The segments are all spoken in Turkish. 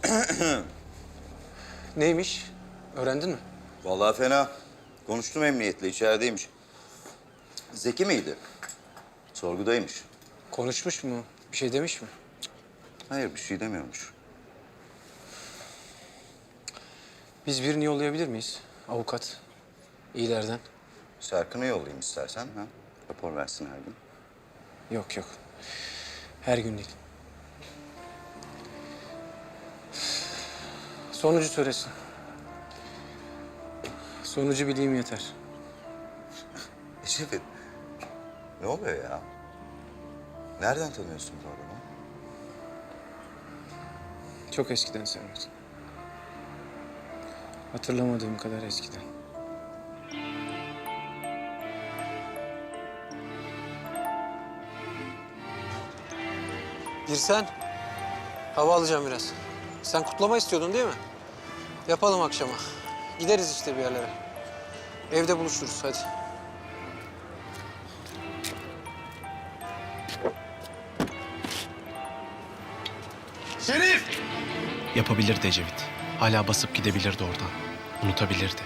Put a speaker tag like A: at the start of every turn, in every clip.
A: Neymiş? Öğrendin mi?
B: Vallahi fena. Konuştum emniyetle, içerideymiş. Zeki miydi? Sorgudaymış.
A: Konuşmuş mu? Bir şey demiş mi?
B: Hayır, bir şey demiyormuş.
A: Biz birini yollayabilir miyiz? Avukat. İyilerden.
B: Serkan'ı yollayayım istersen. Ha? Rapor versin her gün.
A: Yok yok. Her gün değil. Sonucu söylesin. Sonucu bileyim yeter.
B: Ecevit, ne oluyor ya? Nereden tanıyorsun bu adamı?
A: Çok eskiden Servet. Hatırlamadığım kadar eskiden. Girsen. Hava alacağım biraz. Sen kutlama istiyordun değil mi? Yapalım akşama. Gideriz işte bir yerlere. Evde buluşuruz hadi.
C: Şerif!
D: Yapabilirdi Ecevit. Hala basıp gidebilirdi oradan. Unutabilirdi.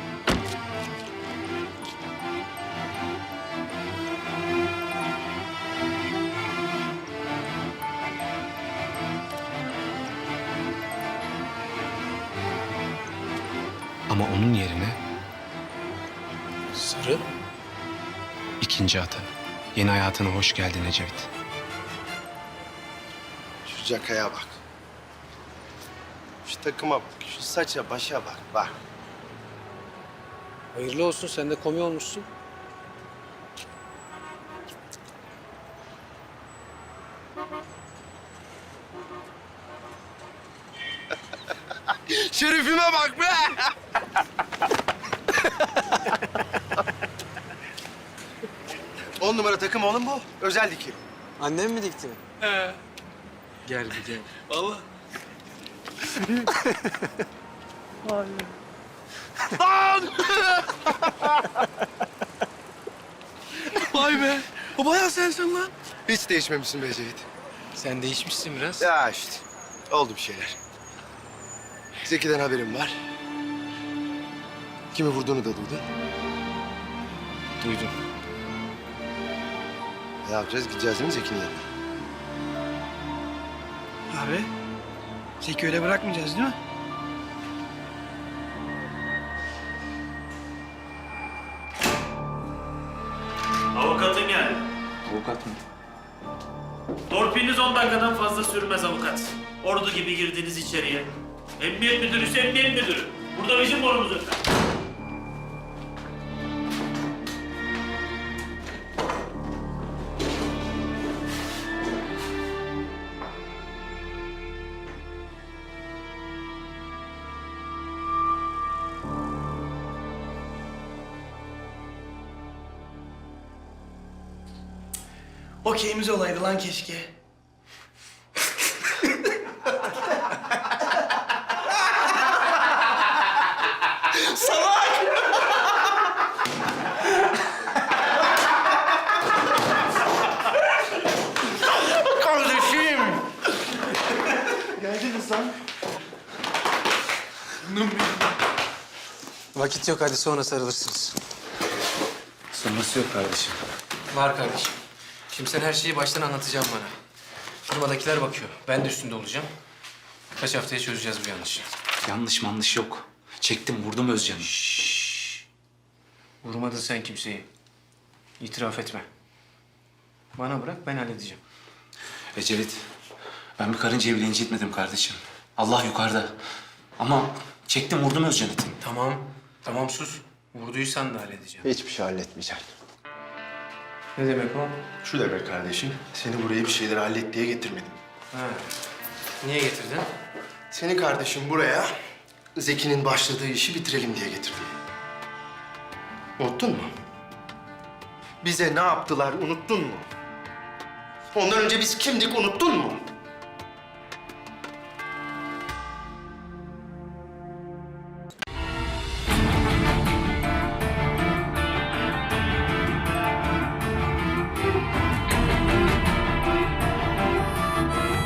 D: Ama onun yerine
A: Sarı.
D: ikinci atı. Yeni hayatına hoş geldin Ecevit.
C: Şu cakaya bak. Şu takıma bak. Şu saça başa bak. Bak.
A: Hayırlı olsun, sen de komi olmuşsun.
C: Şerifime bak be! On numara takım oğlum bu. Özel dikim.
A: Annem mi dikti? Gel bir gel.
C: Vallahi.
A: Vay be, o bayağı sensin lan.
C: Hiç değişmemişsin be Ecevit.
A: Sen değişmişsin biraz.
C: Ya işte. Oldu bir şeyler. Zeki'den haberim var. Kimi vurduğunu da duydun.
A: Duydum.
C: Ne yapacağız? Gideceğiz değil mi Zeki'nin yanına?
E: Abi, Zeki öyle bırakmayacağız değil mi?
F: Avukatın geldi.
A: Avukat mı?
F: Torpiliniz 10 dakikadan fazla sürmez avukat. Ordu gibi girdiniz içeriye. Emniyet müdürü, emniyet müdürü. Burada bizim borumuz öter.
E: Okeyimiz olaydı lan keşke.
C: Kardeşim!
E: Geldiniz lan.
A: Vakit yok, hadi sonra sarılırsınız.
D: Sonrası yok kardeşim.
A: Var kardeşim. Şimdi sen her şeyi baştan anlatacaksın bana. Firmadakiler bakıyor. Ben de üstünde olacağım. Kaç haftaya çözeceğiz bu yanlışı.
D: Yanlış yok. Çektim vurdum Özcan'ı.
A: Vurmadın sen kimseyi. İtiraf etme. Bana bırak, ben halledeceğim.
D: Ecevit, ben bir karıncayı bile incitmedim kardeşim. Allah yukarıda. Ama çektim vurdum Özcan'ı.
A: Tamam, tamam sus. Vurduysan da halledeceğim.
C: Hiçbir şey halletmeyeceksin.
A: Ne demek o?
C: Şu demek kardeşim, seni buraya bir şeyleri hallet diye getirmedim.
A: Ha. Niye getirdin?
C: Seni kardeşim buraya Zeki'nin başladığı işi bitirelim diye getirdim. Unuttun mu? Bize ne yaptılar unuttun mu? Ondan önce biz kimdik unuttun mu?